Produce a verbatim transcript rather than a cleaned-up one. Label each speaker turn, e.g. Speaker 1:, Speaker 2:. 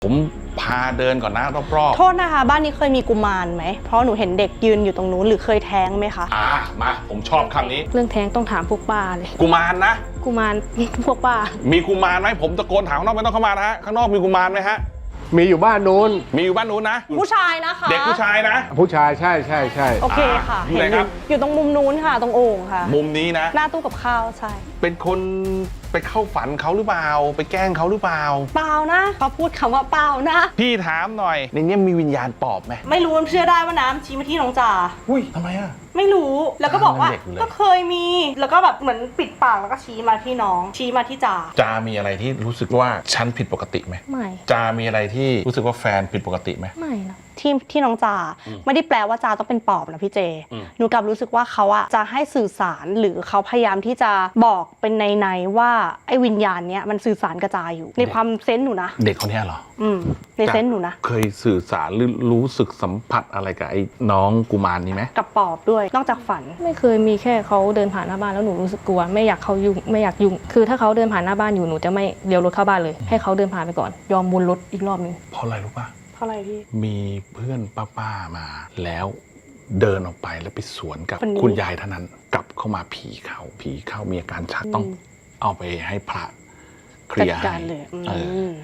Speaker 1: ผมพาเดินก่อนนะรอบๆ
Speaker 2: โทษนะคะบ้านนี้เคยมีกุมารไหมเพราะหนูเห็นเด็กยืนอยู่ตรงนู้นหรือเคยแท้งไหมคะ
Speaker 1: อ่ามาผมชอบคำนี้
Speaker 3: เรื่องแท้งต้องถามพวกป้าเลย
Speaker 1: กุมารนะ
Speaker 3: กุมาร พวกป้า
Speaker 1: มีกุมารไหมผมตะโกนถามข้างนอกไม่ต้องเข้ามานะฮะข้างนอกมีกุมารไหมฮะ
Speaker 4: มีอยู่บ้านนู้น
Speaker 1: มีอยู่บ้านนู้นนะ
Speaker 2: ผู้ชายนะคะ
Speaker 1: เด็กผู้ชายนะ
Speaker 4: ผู้ชายใช่ใช่ใช่
Speaker 2: โอเคค่ะ
Speaker 1: อยู่
Speaker 2: เห็น
Speaker 1: ไหน
Speaker 2: อ
Speaker 1: ครั
Speaker 2: ยู่
Speaker 1: บ
Speaker 2: อยู่ตรงมุมนู้นค่ะตรงโอ่งค่ะ
Speaker 1: มุมนี้นะ
Speaker 2: หน้าตู้กับข้าวใช่
Speaker 1: เป็นคนไปเข้าฝันเขาหรือเปล่าไปแกล้งเขาหรือเปล่า
Speaker 2: เปล่านะเขาพูดคำว่าเปล่านะ
Speaker 1: พี่ถามหน่อยในนี้มีวิญญาณปอบไหม
Speaker 2: ไม่รู้เชื่อได้ว่าน้ำชี้มาที่น้องจ่า
Speaker 1: อุ้ยทำไมอ่ะ
Speaker 2: ไม่รู้แล้วก็บอกว่า
Speaker 1: เด็กเลย
Speaker 2: ก็เคยมีแล้วก็แบบเหมือนปิดปากแล้วก็ชี้มาที่น้องชี้มาที่จ่า
Speaker 1: จามีอะไรที่รู้สึกว่าฉันผิดปกติไหม
Speaker 3: ไม่
Speaker 1: จามีอะไรที่รู้สึกว่าแฟนผิดปกติไหม
Speaker 3: ไม่นะ
Speaker 2: ที่ที่น้องจ่าไม่ได้แปลว่าจ่าต้องเป็นปอบนะพี่เจ
Speaker 1: อืม
Speaker 2: หนูกลับรู้สึกว่าเขาอะจะให้สื่อสารหรือเขาพยายามที่จะบอกเป็นในๆว่าไอ้วิญญาณเนี้ยมันสื่อสารกระจายอยู่ในความเซนส์หนูนะ
Speaker 1: เด็กคนนี้เหรอ
Speaker 2: อืมในเซนส์หนูนะ
Speaker 1: เคยสื่อสารหรือรู้สึกสัมผัสอะไรกับไอ้น้องกุมารนี้ไหม
Speaker 2: กับปอบด้วยนอกจากฝัน
Speaker 3: ไม่เคยมีแค่เขาเดินผ่านหน้าบ้านแล้วหนูรู้สึกกลัวไม่อยากเขายุ่งไม่อยากยุ่งคือถ้าเขาเดินผ่านหน้าบ้านอยู่หนูจะไม่เลี้ยวรถเข้าบ้านเลยให้เขาเดินผ่านไปก่อนยอมวนรถอีกรอบนึง
Speaker 1: เพราะอะไรรู้ป่ะ
Speaker 2: เพราะอะไรพี่
Speaker 1: มีเพื่อนป้าๆมาแล้วเดินออกไปแล้วไปสวนกับ
Speaker 2: คนนี้
Speaker 1: คุณยายท่านนั้นกลับเข้ามาผีเข้าผีเข้ามีอาการชักต้องเอาไปให้พระเคลี
Speaker 2: จัด
Speaker 1: ยร์
Speaker 2: การ
Speaker 1: ให้
Speaker 2: เลยอื
Speaker 1: เออ
Speaker 2: ม